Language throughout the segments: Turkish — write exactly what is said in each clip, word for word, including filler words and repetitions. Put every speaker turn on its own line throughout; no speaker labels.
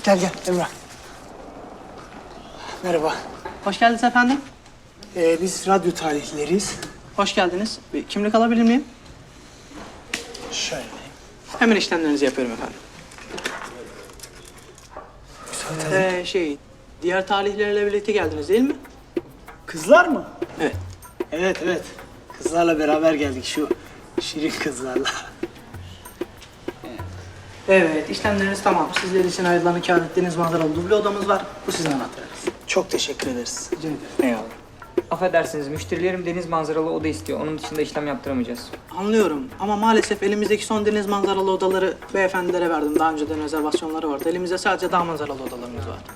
Gel gel Emrah. Merhaba.
Hoş geldiniz efendim.
Ee, biz radyo tarihleriyiz.
Hoş geldiniz. Bir kimlik alabilir miyim?
Şöyle.
Hemen işlemlerinizi yapıyorum efendim.
Güzel.
Ee, şey, diğer talihlerle birlikte geldiniz değil mi?
Kızlar mı?
Evet.
Evet evet. Kızlarla beraber geldik şu şirin kızlarla.
Evet, işlemleriniz tamam. Sizler için ayrılan kâr ettiğiniz manzaralı duble odamız var. Bu sizin anahtarınız.
Çok teşekkür ederiz.
Rica ederim.
Eyvallah.
Affedersiniz, müşterilerim deniz manzaralı oda istiyor. Onun dışında işlem yaptıramayacağız.
Anlıyorum ama maalesef elimizdeki son deniz manzaralı odaları beyefendilere verdim. Daha önceden rezervasyonları vardı. Elimizde sadece dağ manzaralı odalarımız var.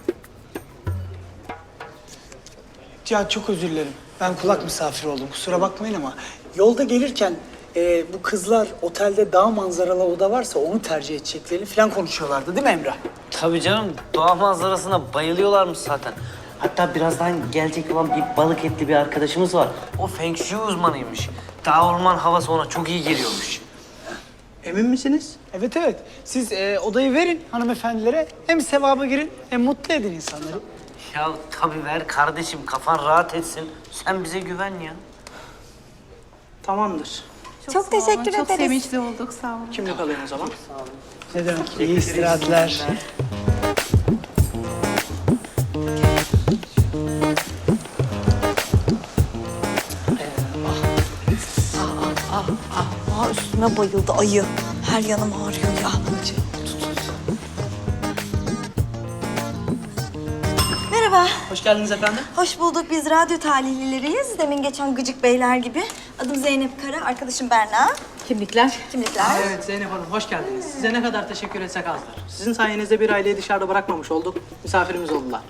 Ya çok özür dilerim. Ben kulak misafiri oldum. Kusura bakmayın ama yolda gelirken e, bu kızlar otelde dağ manzaralı oda varsa onu tercih edeceklerini falan konuşuyorlardı değil mi Emrah?
Tabii canım, doğa manzarasına bayılıyorlarmış zaten. Hatta birazdan gelecek olan bir balık etli bir arkadaşımız var. O Feng Shui uzmanıymış. Dağ orman havası ona çok iyi geliyormuş.
Emin misiniz?
Evet evet. Siz e, odayı verin hanımefendilere. Hem sevaba girin hem mutlu edin insanları.
Ya tabii ver kardeşim, kafan rahat etsin. Sen bize güven ya.
Tamamdır.
Çok,
sağ
teşekkür
olun.
ederiz.
Çok sevinçli olduk, sağ olun.
Kimlik alayım o zaman.
Ne demek? İyi istirahatler.
Aa, üstüme bayıldı ayı. Her yanım ağrıyor ya. Merhaba.
Hoş geldiniz efendim.
Hoş bulduk. Biz radyo talihlileriyiz. Demin geçen gıcık beyler gibi. Adım Zeynep Kara, arkadaşım Berna.
Kimlikler?
Kimlikler.
Aa, evet Zeynep Hanım, hoş geldiniz. Size ne kadar teşekkür etsek azdır. Sizin sayenizde bir aileyi dışarıda bırakmamış olduk. Misafirimiz oldular.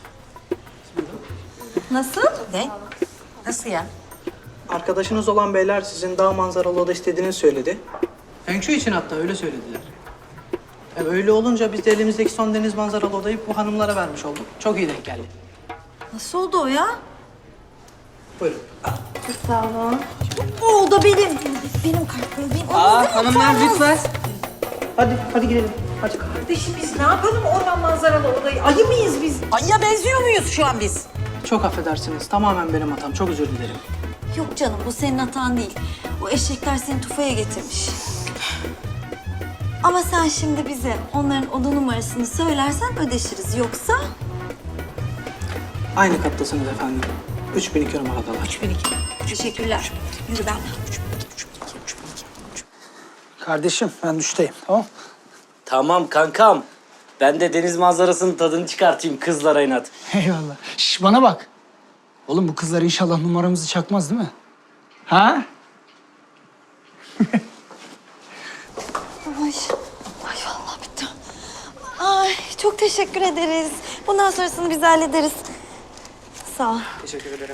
Nasıl? Ne?
Nasıl ya?
Arkadaşınız olan beyler sizin dağ manzaralı oda istediğinizi söyledi. Feng Shui için hatta öyle söylediler. E, öyle olunca biz de elimizdeki son deniz manzaralı odayı bu hanımlara vermiş olduk. Çok iyi denk geldi.
Nasıl oldu o ya?
Buyurun.
Sağ olun.
O oda benim. Benim kartım. Benim.
Aa hanımlar lütfen.
Hadi, hadi gidelim. Hadi.
Kardeşim biz ne yapalım orman manzaralı odayı? Ayı mıyız biz? Ayıya benziyor muyuz şu an biz?
Çok affedersiniz. Tamamen benim hatam. Çok özür dilerim.
Yok canım, bu senin hatan değil. O eşekler seni tufaya getirmiş. Ama sen şimdi bize onların oda numarasını söylersen ödeşiriz. Yoksa
Aynı kattasınız efendim. üç bin iki numaradalar.
üç bin iki.
teşekkürler. Yürü ben.
Kardeşim ben duştayım tamam.
Tamam kankam. Ben de deniz manzarasının tadını çıkartayım kızlara inat.
Eyvallah. Şş bana bak. Oğlum bu kızlar inşallah numaramızı çakmaz değil mi? Ha?
Ay, ay vallahi bitti. Ay çok teşekkür ederiz. Bundan sonrasını biz hallederiz. Sağ ol.
Teşekkür ederim.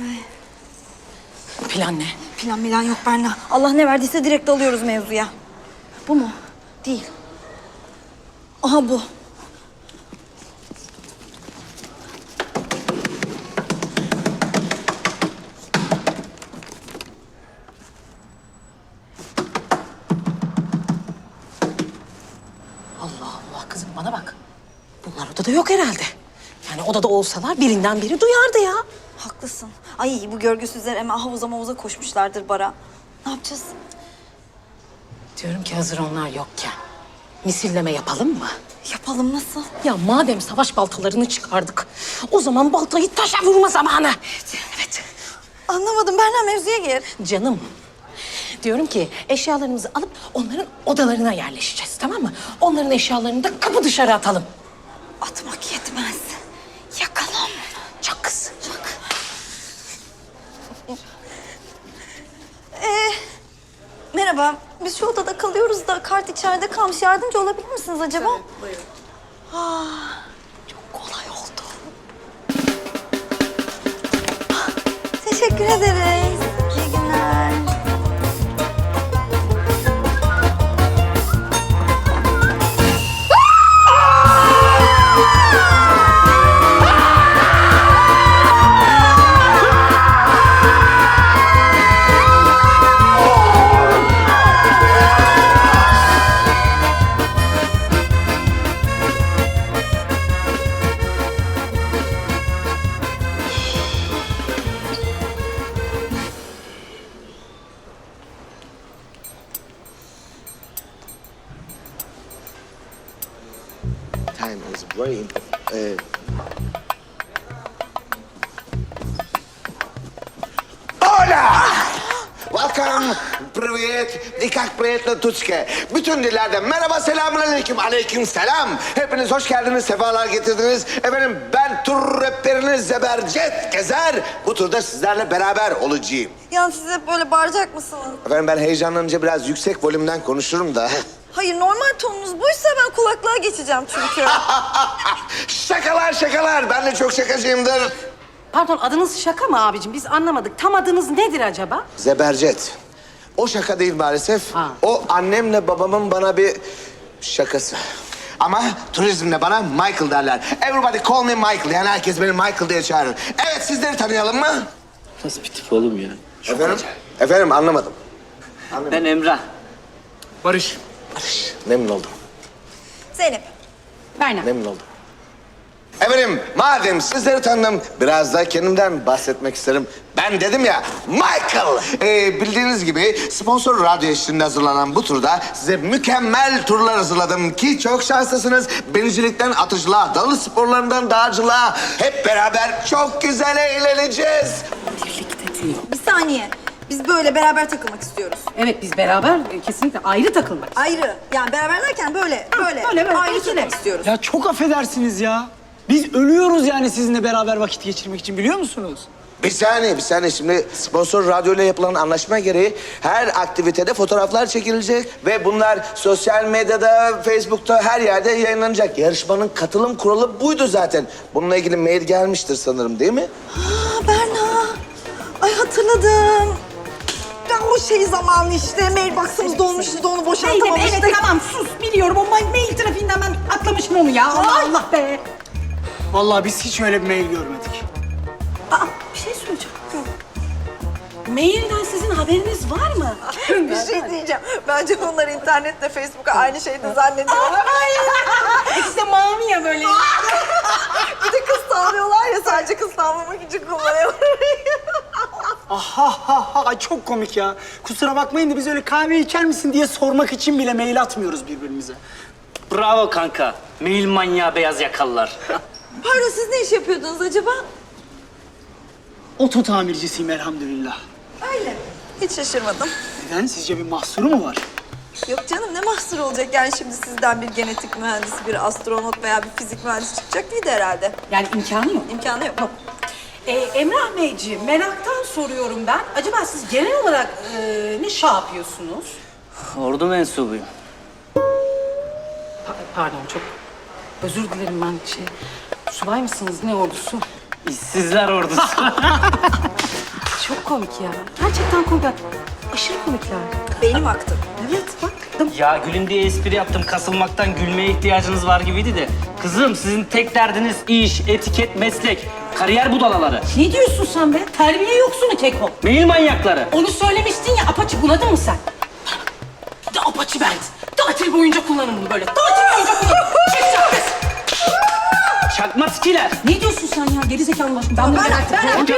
Plan ne?
Plan milan yok Berna. Allah ne verdiyse direkt alıyoruz mevzuya. Bu mu? Değil. Aha bu.
Allah Allah kızım bana bak. Bunlar odada yok herhalde. Yani odada olsalar birinden biri duyardı ya.
Haklısın. Ay bu görgüsüzler hemen havuza mavuza koşmuşlardır bara. Ne yapacağız?
Diyorum ki hazır onlar yokken misilleme yapalım mı?
Yapalım nasıl?
Ya madem savaş baltalarını çıkardık, o zaman baltayı taşa vurma zamanı. Evet. Evet.
Anlamadım Berna, mevzuya gir.
Canım, diyorum ki eşyalarımızı alıp onların odalarına yerleşeceğiz, tamam mı? Onların eşyalarını da kapı dışarı atalım.
Atmak yetmez. Yakalım.
Çak kız.
Çak. Ee, merhaba. Biz şu odada kalıyoruz da kart içeride kalmış. Yardımcı olabilir misiniz acaba?
Tabii, buyurun.
Ah, çok kolay oldu. Ah, teşekkür ederiz. İyi günler.
time is very important. Ee, Hola! Welcome, привет, и как приятно Türkçe. Bütün dillerde merhaba, selamünaleyküm, aleyküm selam. Hepiniz hoş geldiniz, sefalar getirdiniz. Efendim ben tur rehberiniz Zebercet Gezer. Bu turda sizlerle beraber olacağım.
Yani siz hep böyle bağıracak mısınız?
Efendim ben heyecanlanınca biraz yüksek volümden konuşurum da.
Hayır, normal tonunuz buysa ben kulaklığa geçeceğim çünkü.
Şakalar şakalar, ben de çok şakacıyımdır.
Pardon, adınız şaka mı abicim? Biz anlamadık. Tam adınız nedir acaba?
Zebercet. O şaka değil maalesef.
Ha.
O annemle babamın bana bir şakası. Ama turizmde bana Michael derler. Everybody call me Michael. Yani herkes beni Michael diye çağırır. Evet, sizleri tanıyalım mı?
Nasıl bir tip oğlum ya?
Efendim? Efendim anlamadım.
Ben Emrah.
Barış.
Memnun oldum.
Zeynep.
Berna.
Memnun oldum. Efendim madem sizleri tanıdım biraz da kendimden bahsetmek isterim. Ben dedim ya Michael. Ee, bildiğiniz gibi sponsor radyo eşliğinde hazırlanan bu turda size mükemmel turlar hazırladım ki çok şanslısınız. Binicilikten atıcılığa, dalış sporlarından dağcılığa hep beraber çok güzel eğleneceğiz.
Bir saniye. Biz böyle beraber takılmak istiyoruz.
Evet, biz beraber e, kesinlikle ayrı takılmak.
Ayrı. Yani beraber derken böyle, böyle.
böyle, böyle,
ayrı
ikili.
takılmak istiyoruz.
Ya çok affedersiniz ya. Biz ölüyoruz yani sizinle beraber vakit geçirmek için, biliyor musunuz?
Bir saniye, bir saniye. Şimdi sponsor radyoyla yapılan anlaşma gereği her aktivitede fotoğraflar çekilecek ve bunlar sosyal medyada, Facebook'ta her yerde yayınlanacak. Yarışmanın katılım kuralı buydu zaten. Bununla ilgili mail gelmiştir sanırım, değil mi?
Aa, Berna. Ay hatırladım. Ya o şey zamanı işte. Mailbox'ımız dolmuştu da onu boşaltamamıştık.
Evet, tamam sus. Biliyorum, o mail, mail trafiğinden ben atlamışım onu ya. Allah Allah be.
Vallahi biz hiç öyle bir mail görmedik.
Aa, bir şey söyleyeceğim. Mailden sizin haberiniz var mı?
Bir şey diyeceğim. Bence onlar internette, Facebook'a aynı şeyi de zannediyorlar.
İkisi de mavi ya böyle.
Bir de kız tavlıyorlar ya, sadece kız tavlamak için kullanıyorlar.
Aha ha ha ay çok komik ya. Kusura bakmayın da biz öyle kahve içer misin diye sormak için bile mail atmıyoruz birbirimize.
Bravo kanka. Mail manyağı beyaz yakalılar.
Pardon, siz ne iş yapıyordunuz acaba?
Oto tamircisiyim elhamdülillah.
Öyle. Hiç şaşırmadım.
Neden? Sizce bir mahsuru mu var?
Yok canım, ne mahsur olacak? Yani şimdi sizden bir genetik mühendisi, bir astronot veya bir fizik mühendisi çıkacak değildi herhalde.
Yani imkanı yok.
İmkanı yok.
Ee, Emrah Beyciğim, meraktan soruyorum ben. Acaba siz genel olarak e, ne şey yapıyorsunuz?
Ordu mensubuyum.
Pa- pardon, çok özür dilerim ben şey... Subay mısınız, ne ordusu?
İşsizler ordusu.
Çok komik ya. Gerçekten komik. Aşırı komikler.
Beynim aktı.
Evet, bak.
Ya gülün diye espri yaptım. Kasılmaktan gülmeye ihtiyacınız var gibiydi de. Kızım sizin tek derdiniz iş, etiket, meslek. Kariyer budalaları.
Ne diyorsun sen be? Terbiye yoksunu keko.
Mail manyakları.
Onu söylemiştin ya, apaçı bunadın mı sen? Bir de apaçı bent. Tatil boyunca kullanın bunu böyle. Tatil boyunca kullanın. Çıkacak kız.
Çakma skiler.
Ne diyorsun sen ya? Gerizekalı başım. Ben bunu merak ettim.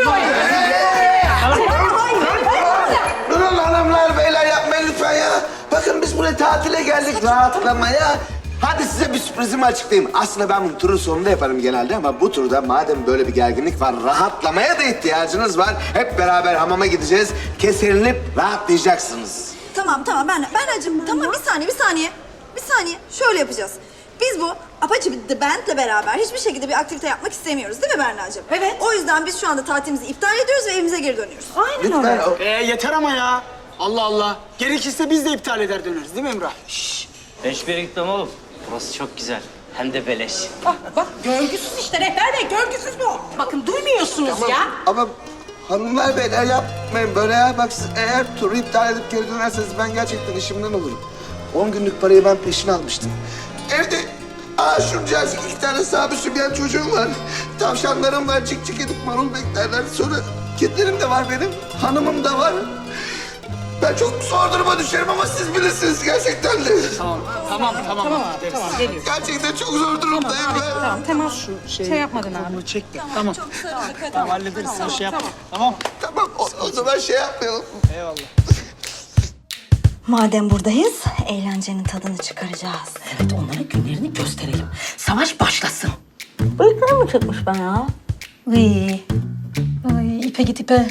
Durun hanımlar, beyler yapmayın lütfen ya. Bakın biz buraya tatile geldik, rahatlamaya. Hadi size bir sürprizimi açıklayayım. Aslında ben bu turun sonunda yaparım genelde ama bu turda madem böyle bir gerginlik var, rahatlamaya da ihtiyacınız var. Hep beraber hamama gideceğiz. Keselinip rahatlayacaksınız.
Tamam tamam, ben ben acım. Tamam, bir saniye bir saniye. Bir saniye, şöyle yapacağız. Biz bu Apache The Band'le beraber hiçbir şekilde bir aktivite yapmak istemiyoruz, değil mi Berna'cığım?
Evet.
O yüzden biz şu anda tatilimizi iptal ediyoruz ve evimize geri dönüyoruz.
Aynen
Lütfen
öyle.
o...
Ee yeter ama ya. Allah Allah. Gerekirse biz de iptal eder döneriz, değil mi Emrah?
Ben hiçbir yere gitmem oğlum. Burası çok güzel. Hem de beleş.
Bak bak, görgüsüz işte rehber bey, görgüsüz bu. Bakın duymuyorsunuz ya.
Ama hanımlar beyler yapmayın böyle ya. Bak siz eğer turu iptal edip geri dönerseniz ben gerçekten işimden olurum. On günlük parayı ben peşin almıştım. Evde aa şuncacık iki tane sahibi sübyen çocuğum var. Tavşanlarım var, cik cik edip marul beklerler. Sonra kedilerim de var benim, hanımım da var. Ben çok zor duruma düşerim ama siz bilirsiniz gerçekten de.
Tamam, tamam, tamam.
Tamam abi, tamam geliyor.
Gerçekten çok zor durumdayım ben.
Tamam, tamam. Şu şey, yapmadın abi.
Bunu çek de. Tamam.
Çok sarıldık, hadi.
Tamam, hallederiz. Sen şey yapma. Tamam.
Tamam o, o zaman şey yapmayalım.
Eyvallah.
Madem buradayız, eğlencenin tadını çıkaracağız.
Evet, onlara günlerini gösterelim. Savaş başlasın.
Bıyıklarım mı çıkmış ben ya?
Ay, ay ipe git ipe.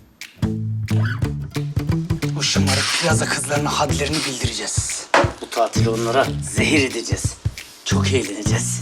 Bu şımarık plaza kızlarına hadlerini bildireceğiz.
Bu tatili onlara zehir edeceğiz. Çok eğleneceğiz.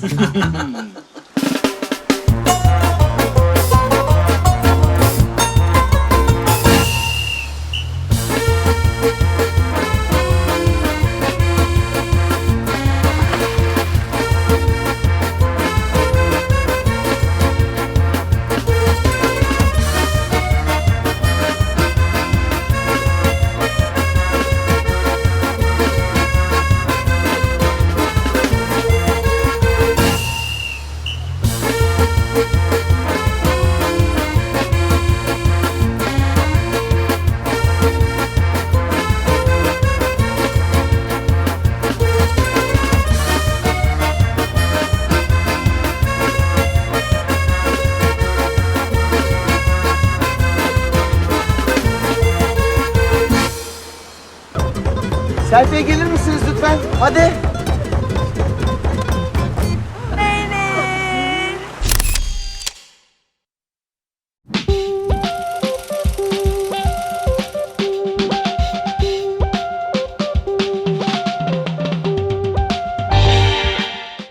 Selfie'ye gelir misiniz lütfen? Hadi.